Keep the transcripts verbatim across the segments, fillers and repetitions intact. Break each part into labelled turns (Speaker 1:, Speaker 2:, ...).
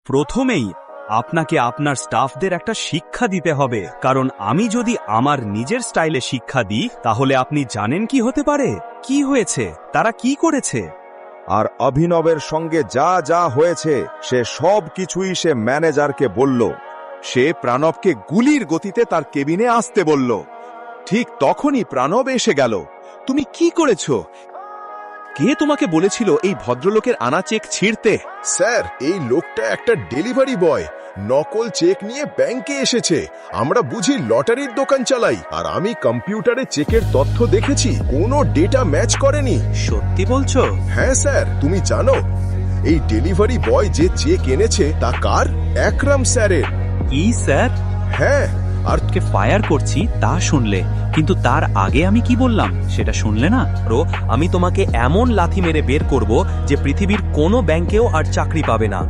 Speaker 1: প্রথমেই আপনাকে আপনার স্টাফদের একটা শিক্ষা দিতে হবে, কারণ আমি যদি আমার নিজের স্টাইলে শিক্ষা দিই তাহলে আপনি জানেন কি হতে পারে। কি হয়েছে, তারা কি করেছে?
Speaker 2: আর অভিনবের সঙ্গে যা যা হয়েছে সে সব কিছুই সে ম্যানেজারকে বলল। সে প্রণবকে গুলির গতিতে তার কেবিনে আসতে বলল। ঠিক তখনই প্রণব এসে গেল। তুমি কি করেছো? কে তোমাকে বলেছিল এই ভদ্রলোকের আনা চেক ছিঁড়তে?
Speaker 3: স্যার, এই লোকটা একটা ডেলিভারি বয়, নকল চেক নিয়ে ব্যাংকে এসেছে। আমরা বুঝি লটারির দোকান চালাই, আর আমি কম্পিউটারে চেকের তথ্য দেখেছি, কোনো ডেটা ম্যাচ করেনি।
Speaker 1: সত্যি বলছো?
Speaker 3: হ্যাঁ স্যার, তুমি জানো এই ডেলিভারি বয় যে চেক এনেছে তা কার? একরাম স্যারের।
Speaker 1: কি স্যার?
Speaker 3: হ্যাঁ।
Speaker 1: আর কে ফায়ার করছি তা শুনলে, কিন্তু তার আগে আমি কি বললাম সেটা শুনলে না? রো, আমি তোমাকে এমন লাথি মেরে বের করব যে পৃথিবীর কোনো ব্যাংকেও আর চাকরি পাবে না।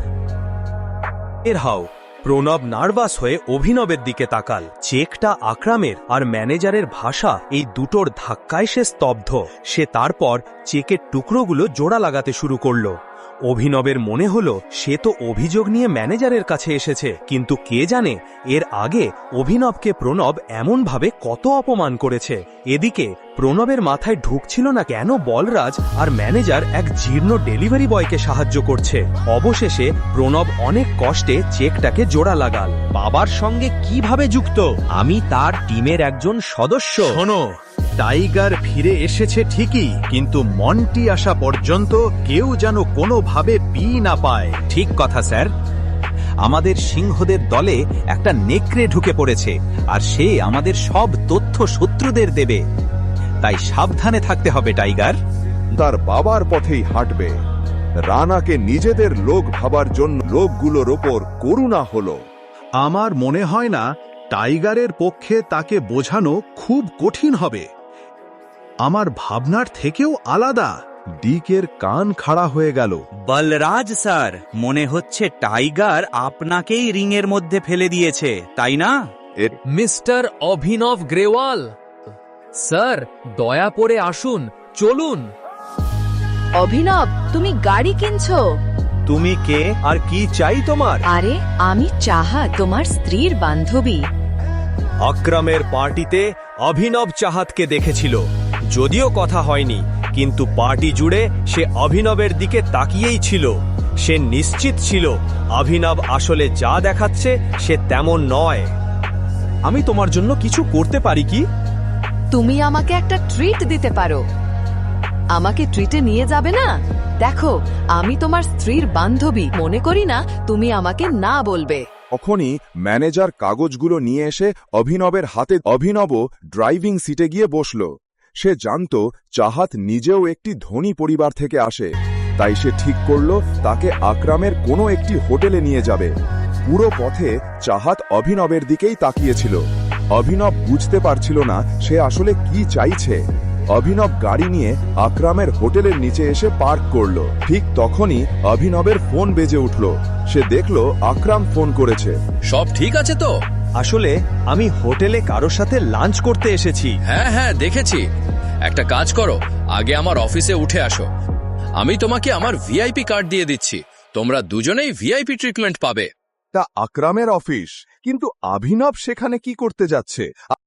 Speaker 1: এর হাও। প্রণব নার্ভাস হয়ে অভিনবের দিকে তাকাল। চেকটা আকরামের আর ম্যানেজারের ভাষা, এই দুটোর ধাক্কায় সে স্তব্ধ। সে তারপর চেকের টুকরোগুলো জোড়া লাগাতে শুরু করল। অভিনবের মনে হলো সে তো অভিযোগ নিয়ে ম্যানেজারের কাছে এসেছে, কিন্তু কে জানে এর আগে অভিনবকে প্রণব এমনভাবে কত অপমান করেছে। এদিকে প্রণবের মাথায় ঢুকছিল না কেন বলরাজ আর ম্যানেজার এক জীর্ণ ডেলিভারি বয়কে সাহায্য করছে। অবশেষে প্রণব অনেক কষ্টে চেকটাকে জোড়া লাগাল। বাবার সঙ্গে কিভাবে যুক্ত? আমি তার টিমের একজন সদস্য।
Speaker 4: শোনো, টাইগার ফিরে এসেছে ঠিকই, কিন্তু মন্টি আসা পর্যন্ত কেউ যেন কোনোভাবে পি না পায়।
Speaker 1: ঠিক কথা স্যার। আমাদের সিংহদের দলে একটা নেকড়ে ঢুকে পড়েছে, আর সে আমাদের সব তথ্য শত্রুদের দেবে। তাই সাবধানে থাকতে হবে টাইগার।
Speaker 2: তার বাবার পথেই হাঁটবে। রানাকে নিজেদের লোক ভাবার জন্য লোকগুলোর ওপর করুণা হলো।
Speaker 4: আমার মনে হয় না টাইগারের পক্ষে তাকে বোঝানো খুব কঠিন হবে। আমার ভাবনার থেকেও আলাদা।
Speaker 2: ডিকের কান খাড়া হয়ে গেল।
Speaker 1: বলরাজ স্যার, মনে হচ্ছে টাইগার আপনাকেই রিংয়ের মধ্যে ফেলে দিয়েছে, তাই না?
Speaker 5: মিস্টার অভিনব গ্রেওয়াল স্যার, দয়া করে আসুন, চলুন।
Speaker 6: অভিনব, তুমি গাড়ি কিনছো?
Speaker 1: তুমি কে আর কি চাই তোমার?
Speaker 6: আরে, আমি চাহা, তোমার স্ত্রীর বান্ধবী।
Speaker 1: আকরামের পার্টিতে অভিনব চাহাতকে দেখেছিল, যদিও কথা হয়নি, কিন্তু পার্টি জুড়ে সে অভিনবের দিকে তাকিয়েই ছিল। সে নিশ্চিত ছিল অভিনব আসলে যা দেখাচ্ছে সে তেমন নয়। আমি তোমার জন্য কিছু করতে পারি কি?
Speaker 6: তুমি আমাকে একটা ট্রিট দিতে পারো। আমাকে ট্রিটে নিয়ে যাবে না? দেখো, আমি তোমার স্ত্রীর বান্ধবী, মনে করি না তুমি আমাকে না বলবে।
Speaker 2: তখনই ম্যানেজার কাগজগুলো নিয়ে এসে অভিনবের হাতে। অভিনব ড্রাইভিং সিটে গিয়ে বসল। সে জানত চাহাত নিজেও একটি ধনী পরিবার থেকে আসে, তাই সে ঠিক করল তাকে আকরামের কোনো একটি হোটেলে নিয়ে যাবে। পুরো পথে চাহাত অভিনবের দিকেই তাকিয়েছিল। অভিনব বুঝতে পারছিল না সে আসলে কি চাইছে। অভিনব গাড়ি নিয়ে আকরামের হোটেলের নিচে এসে পার্ক করল। ঠিক তখনই অভিনবের ফোন বেজে উঠল। সে দেখল আকরাম ফোন করেছে।
Speaker 7: সব ঠিক আছে তো?
Speaker 1: আসলে আমি হোটেলে কারোর সাথে লাঞ্চ করতে এসেছি।
Speaker 7: হ্যাঁ হ্যাঁ দেখেছি। একটা কাজ করো, আগে আমার অফিসে উঠে আসো। আমি তোমাকে আমার ভিআইপি কার্ড দিয়ে দিচ্ছি, তোমরা দুজনেই ভিআইপি ট্রিটমেন্ট পাবে।
Speaker 2: তা আকরামের অফিস, কিন্তু অভিনব সেখানে কি করতে যাচ্ছে?